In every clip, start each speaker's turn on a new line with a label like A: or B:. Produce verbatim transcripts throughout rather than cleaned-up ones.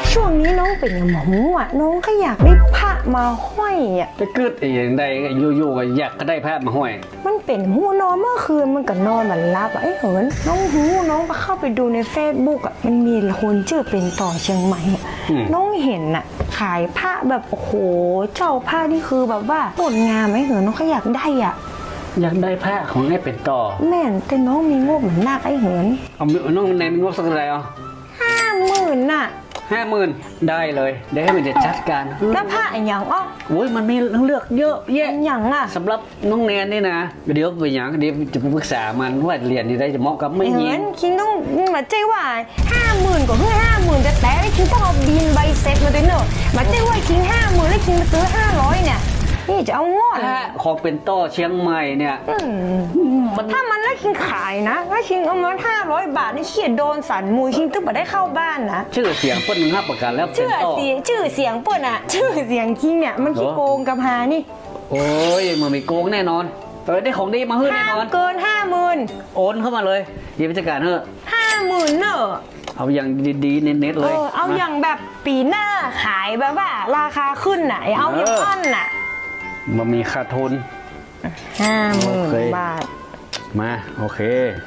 A: ช่วงนี้น้องเป็นอย่างหมอหูอ่ะน้องก็อยากได้พระมาห้อยอ่ะ
B: ไปกึดอย่างใดอยู่ๆก็อยากก็ได้แพทย์มาห้อย
A: มันเป็นหูนอนเมื่อคืนมันก็นอนมันรับอ่ะไอ้เหินน้องหูน้องก็เข้าไปดูในเฟซบุ๊กอ่ะมันมีคนชื่อเป็นต่อเชียงใหม่อ่ะน้องเห็นอ่ะขายพระแบบโอ้โหเจ้าพระนี่คือแบบว่าสวยงามไอ้เหินน้องก็อยากได้อ่ะ
B: อยากได้แพทย์ของไอ้เป็นต่อ
A: แม่นแต่น้องมีงบเหมือนนาคไอ้เหิน
B: เอาน้องแนนงบสักเท่าไหร่อ่ะ
A: ห้าหมื่นน่ะ
B: ห้าหมื่นได้เลยเดี๋ยวให้มันจะจัดการ
A: แล้วผ้าอย่างอ้อ
B: โอ้ยมันมีเลือกเยอะแยะ
A: อย่างอ่ะ
B: สำหรับน้องแนนนี่นะเดี๋ยวไปอย่างเดี๋ยวจะไปปรึกษามันว่าเรียนนี่ได้จะเหมาะกับไม่ยิง
A: คิงต้องมาใจว่าห้าหมื่นกว่าเพื่อห้าหมื่นจะแต่ได้คิงต้องเอาบินใบเซ็ตมาด้วยเนอะมาใจว่าคิงห้าหมื่นแล้วคิงมาซื้อห้าร้อยเนี่ยนี่จะเอางอด
B: ของเป็นต่อเชียงใหม่เนี่ย
A: ถ้ามันแล้วคิงขายนะถ้าคิงเอามาห้าร้อยบาทนี่เขียนโดนสันมูคิงตึ๊บมาได้เข้าบ้านนะ
B: ชื่อเสียงเปิ้ลหนึ่งห้าประกันแล้ว
A: ชื่อเสียงชื่อเสียงเปิ้ลอะชื่อเสียงคิงเนี่ยมันขี้โกงกับหานี่
B: โอ้ยมันไม่โกงแน่นอนเออได้ของดีมาเฮ้ยแน่นอน
A: เกินห้าหมื่น
B: โอนเข้ามาเลยยีบจัดการเถอะ
A: ห้าหมื่นเนอะ
B: เอาอย่างดีๆเน็ตๆเลย
A: เอาอย่างแบบปีหน้าขายแบบว่าราคาขึ้นไหนเอาอย่างอันน่ะ
B: มันมีขาดทุน
A: ห้าหมื่นบาท
B: มาโอเค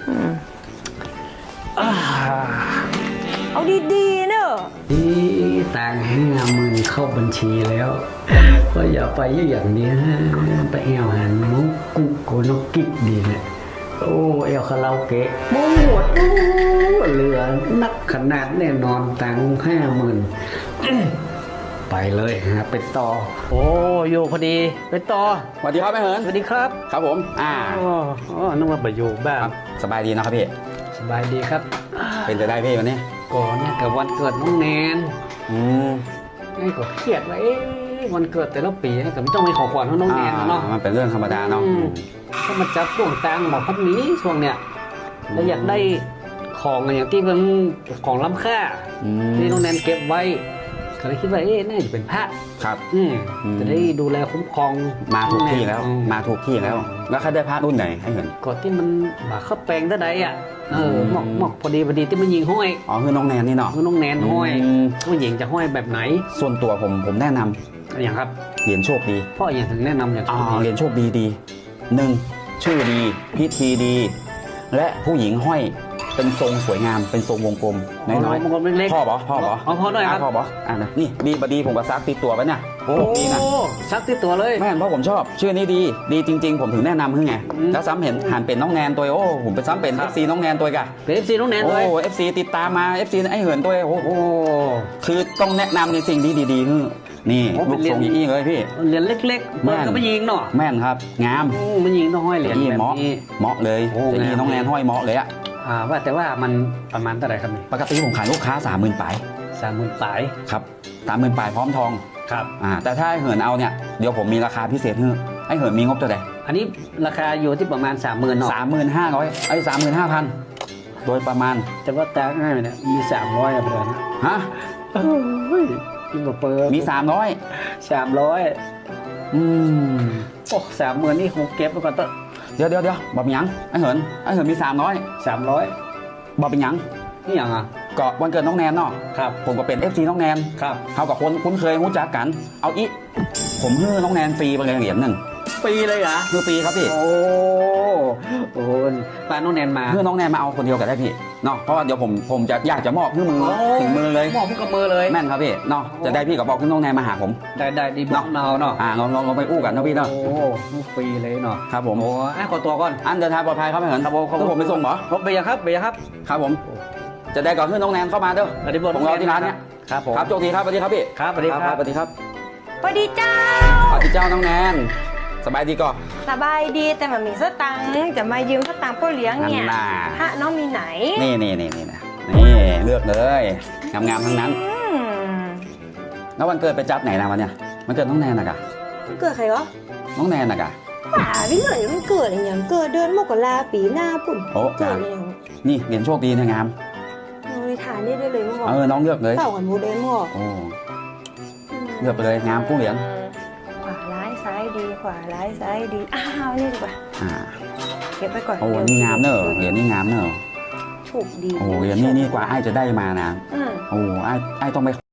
A: เอาดีๆเนอะ
B: ดีตังห้าหมื่นเข้าบัญชีแล้วก็อย่าไปอย่างนี้ไปเอวหันมุกกุ๊กโกนกิ๊กดีเนี่ยโอ้เอวคาราโอเกะโมหมดเหลือนักขนาดแน่นอนตังห้าหมื่นไปเลยฮะเป็นต่อโอ้โยพอดีเป็นต่อ
C: สวัสดีครับแม่เหิน
B: สวัสดีครับ
C: ครับผมอ่า
B: อ๋อนึกว่าไปอยู่บ้าน
C: สบายดีนะครับพี่
B: สบายดีครับ
C: เป็นจะได้พี่วันนี้
B: ก่อนเนี่ยกับวันเกิดน้องแนน
C: อืม
B: นี่ก็เครียดไว้วันเกิดแต่ละปีแต่ไม่ต้องมีของขวัญให้น้องแนนเนาะ
C: มันเป็นเรื่องธรรมดาเนาะ
B: ก็มาจับช่วงตังบอกพัดนี้ช่วงเนี้ยแล้วอยากได้ของอย่างที่มันของล้ำค่าที่น้องแนนเก็บไว้ก็เลยคิดว่าเอ๊ะน่าจะเป็นพระ
C: ครับ
B: อืมจะได้ดูแลคุ้มครอง
C: มาถูกที่แล้วมาถูกที่แล้วแล้วเขาได้พระรุ่นไหนให้เห็น
B: ก่อนที่มันบาเข้าแปลงได้ใดอ่ะเออหมอกหมอกพอดีพอดีที่มันยิงห้อย
C: อ๋อคือน้องแนนนี่เนาะ
B: คือน้องแนนห้อยผู้หญิงจะห้อยแบบไหน
C: ส่วนตัวผมผมแนะนำ
B: อย่างครับ
C: เหรียญโชคดี
B: พ่ออย่างถึงแนะนำอย่าง
C: อ๋อเหรียญโชคดีดีหนึ่งชื่อดีพิธีดีและผู้หญิงห้อยเป็นทรงสวยงามเป็นทรงวงกลมน้อยๆพ่อบอกพ่อบอก
B: อ๋อพ่อด้วยครับ
C: พ่อบอกอ่านี่ดีบดีผมก็ซักติดตัวไปเนี่ย
B: โอ้ดีนะซักติดตัวเลย
C: แม่เพราะผมชอบชื่อนี้ดีดีจริงๆผมถึงแนะนำคือไงแล้วซ้ำเห็นหันเป็นน้องแนนตัวโอ้ผมเป็นซ้ำเป็น เอฟ ซี น้องแนนตัวกะ
B: เป็น เอฟ ซี น้องแนนตัว
C: โอ้ เอฟ ซี ติดตามมา เอฟ ซี ไอ้เหินตัวโอ้โหคือต้องแนะนำในสิ่งที่ดีๆคือนี่ลูกทรงอย่างนี้เลยพี่
B: เหรียญเล็กๆเปิดก็ไม่ยิงเนาะ
C: แม่นครับงาม
B: ไม่ยิงต้องห้อยเหรียญแบบ
C: นี้เหมาะเลยแต่นี่น้องแนนห้อยเหมาะเลยอะ
B: อ่าว่าแต่ว่ามันประมาณเท่าไหร่ครับนี่
C: ปกติผมขายลูกค้าสามหมื่นปลาย
B: สามหมื่นปลาย
C: ครับสามหมื่นปลายพร้อมทอง
B: ครับ
C: อ่าแต่ถ้าเหินเอาเนี่ยเดี๋ยวผมมีราคาพิเศษให้ไอ้เหินมีงบเท่าไหร่
B: อันนี้ราคาอยู่ที่ประมาณสามหมื่นเนาะ
C: สามหมื่นห้าร้อยไอ้สามหมื่นห้าพันโดยประมาณ
B: แต่ว่าตาง่ายเนี่ยมีสามร้อยอะเพื่อน
C: ฮะ
B: เฮ้ยยิ่งกว่าเปิด
C: มีสามร้อย
B: สามร้อย
C: อืม
B: โอ้สามหมื่นนี่คงเก็บไปก่อนเถอะ
C: เดี๋ยวเดี๋ยวเดี๋ยวบอกยังไอ้เหินไอ้เหินมีสามร้อย
B: สามร้อย
C: บอกเป็นยัง
B: นี่ยังอ่ะ
C: ก็วันเกิดน้องแนนเนาะ
B: ครับ
C: ผมก็เป็น เอฟ ซี น้องแนน
B: ครับ
C: เขากับคนคุ้นเคยรู้จักกันเอาอีผมให้น้องแนนฟรีไปเลยเหรียญหนึ่ง
B: ปีเลยเหรอ
C: คือฟรีครับพี่
B: โอ้โหปาน้องแนนมา
C: เพื่อน้องแนนมาเอาคนเดียวกันได้พี่เนาะเพราะว่าเดี๋ยวผมผมจะอยากจะมอบขึ้นมือถึงมือเลย
B: มอบขึ้นกับมือเลย
C: แม่นครับพี่เนาะจะได้พี่กับบอกขึ้นน้องแนนมาหาผม
B: ได้ได้ดีบอกเนาเนาะ
C: อ่าลองลองลองไปอู้กันนะพี่เนาะ
B: โอ้ฟรีเลยเนาะ
C: ครับผม
B: โอ้อ่ะขอตัวก่อน
C: อันเดินทางปลอดภัยครับเหมือนครับผมผมไปส่งเหรอ
B: เบียร์ครับเบียร์ครับ
C: ครับผมจะได้ก่อนขึ้นน้องแนนเข้ามาเด้อผมรอที่ร้านเนี้ย
B: ครับผม
C: ครับโชคดีครับสวัสดีครับพี่
B: ครับสวัสดีครับ
C: สวัสดีครับ
A: สวัสดีเจ้า
C: สวัสดีเจ้าน้องแนนสบายดีก่อน
A: สบายดีแต่มันมีสตังค์จะมายืมสตังค์พ่อเลี้ยงเนี่ยพระน้องมีไหน
C: นี่นี่นี่นี่นี่เลือกเลยงามๆทั้งนั้นแล้ววันเกิดไปจัดไหนนะวันเนี้ยมันเกิดน้องแนนนะกะ
A: มันเกิดใครวะ
C: น้องแนนนะกะ
A: ป่าพี่เหนื่อยมันเกิดอย่างเกิดเดือนมกราปีหน้าปุ่น
C: โอ้เกิดอย่างนี่เหรียญโชคดีนะงาม
A: น้องทานได้ได้เลยมั้ง
C: เออน้องเลือกเลย
A: เต่ากันโมเดลมั้ง
C: โอ้เลือกไปเลยงามกู้เหรียญ
A: ขวาร้ายซ้ายดีขวาร้ายซ้ายดีอ้าวนี่ดีกว่า
C: อ่า
A: เก็บไปก่อน
C: โอ้นี่งามเนอะเหรียญนี่งามเนอะ
A: ถูกดี
C: โอ้เหรียญนี่นี่กว่าไอ้จะได้มานะโอ้ไอ้ไอ้ต้องไป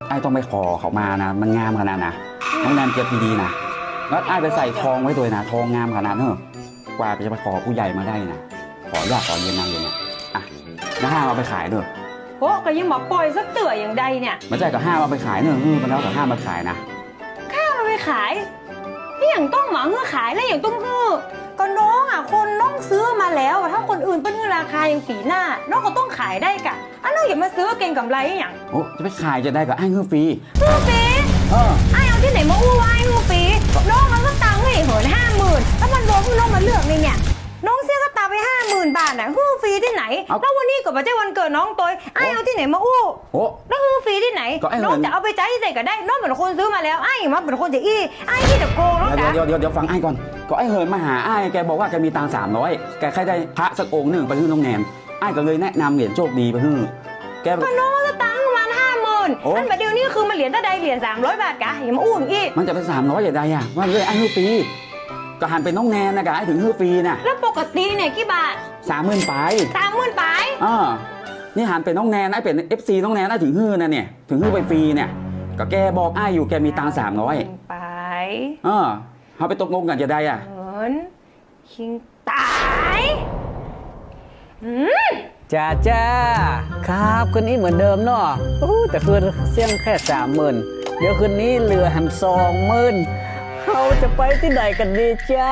C: ไอ้ต้องไปขอเขามานะมันงามขนาดนะน้องแนนเก็บดีๆนะแล้วไอ้ไปใส่ทองไว้ตัวนะทองงามขนาดเนอะกว่าจะไปขอผู้ใหญ่มาได้นะขอยากขอเย็นนางเลยนะอ่ะแล้วห้ามเอาไปขายเนอะ
A: โอ้ก็ยังบอกปล่อยสักเตื่ออย่างใดเนี่ย
C: ไม่ใช่ก็ห้ามเอาไปขายเนอะเออมันแล้วก็ห้ามมาขายนะ
A: ข้าวมันไปขายนี่อย่างต้องหมาเงื่อขายแล้วอย่างต้องเงื่อก็น้องอ่ะคนน้องซื้อมาแล้วอะถ้าคนอื่นเป็นเงื่อราคาอย่างปีหน้า น้องก็ต้องขายได้กะอันน้องอย่ามาซื้อเก่งกำไรอย่าง
C: โอ้จะไปขายจะได้ก็ไอ้เงื่อฟรี
A: เงื่อฟรี
C: เออ
A: ไอ้เอาที่ไหนมาอู้ไว้เงื่อฟรีน้องมันก็ตังค์ให้เหินห้าหมื่นแล้วมันรวมน้องมาเลือกเลยเนี่ยน้องเสียก็ตาไปห้าหมื่นบาทน่ะฮือฟรีที่ไหนแล้ววันนี้ก็ไม่ใช่วันเกิดน้องตัวไอ้เอาที่ไหนมาอู้
C: โอ้
A: แล้วฮือฟรีที่ไหน
C: ก็ไอ้เหิน
A: น้องจะเอาไปจ่ายที่ไหนก็ได้น้องเป็นคนซื้อมาแล้วไอ้มาเป็นคนจะอี้ไอ้ที่จะโกงน้อง
C: เดี๋ยว
A: จ๋า
C: เดี๋ยวเดี๋ยวเดี๋ยวฟังไอ้ก่อนก็ไอ้เหินมาหาไอ้แกบอกว่าแกมีตังค์สามร้อยแกแค่ได้พระสักองค์หนึ่งไปฮื้อน้องแนนไอ้ก็เลยแนะนำเหรียญโชคดีไปฮื้อแก
A: ก็น้องก็ตังค์ประมาณห้าหมื่น
C: โอ้
A: นั่นแบบเดียวนี้คือมันเหรียญตะใดเหรียญสามร้อยบาทกะอย่ามาอู้อย่างอี้
C: มันจะเป็นสามร้อยอย่างไรอ่ะว่าเลยไอ้ฮื้อฟรีก็หันเป็นน้องแนนนะกะไอ้ถึงฮื้อฟรีน่ะ
A: แล้วปกติเนี่ยกี่บาท
C: สามหมื่นไป
A: สามหมื่นไป
C: อ่านี่หันเป็นน้องแนนไอ้เป็นเอฟซีน้องแนนไอ้ถึงฮื้อนะเนี่ยถึงฮื้อไปฟรีเนี่ยก็แกบอกไอ้อยู่แกมีตังค์สามร้อย
A: ไป
C: เออเขาไปตกลงกันจะได้อ่ะ
A: เหมือนคิงตายอืม
B: จ้าจ้าครับคืนนี้เหมือนเดิมเนาะโอ้แต่คืนเสี่ยงแค่สามหมื่นเดี๋ยวคืนนี้เหลือหันสองหมื่นเราจะไปที่ไหนกันดีจ้า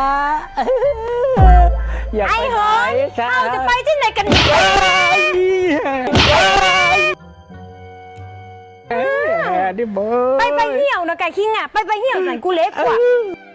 B: อยาก
A: ไอ้
B: ไป
A: เหิ
B: ไหน
A: น
B: ครับ
A: เราจะไปที่ไหนกันดี
B: แหมดิเบิร์
A: ไปไปเหี่ยวนะไก่คิงอ่ะไปไปเหี่ยวใส่กูเล็กกว่า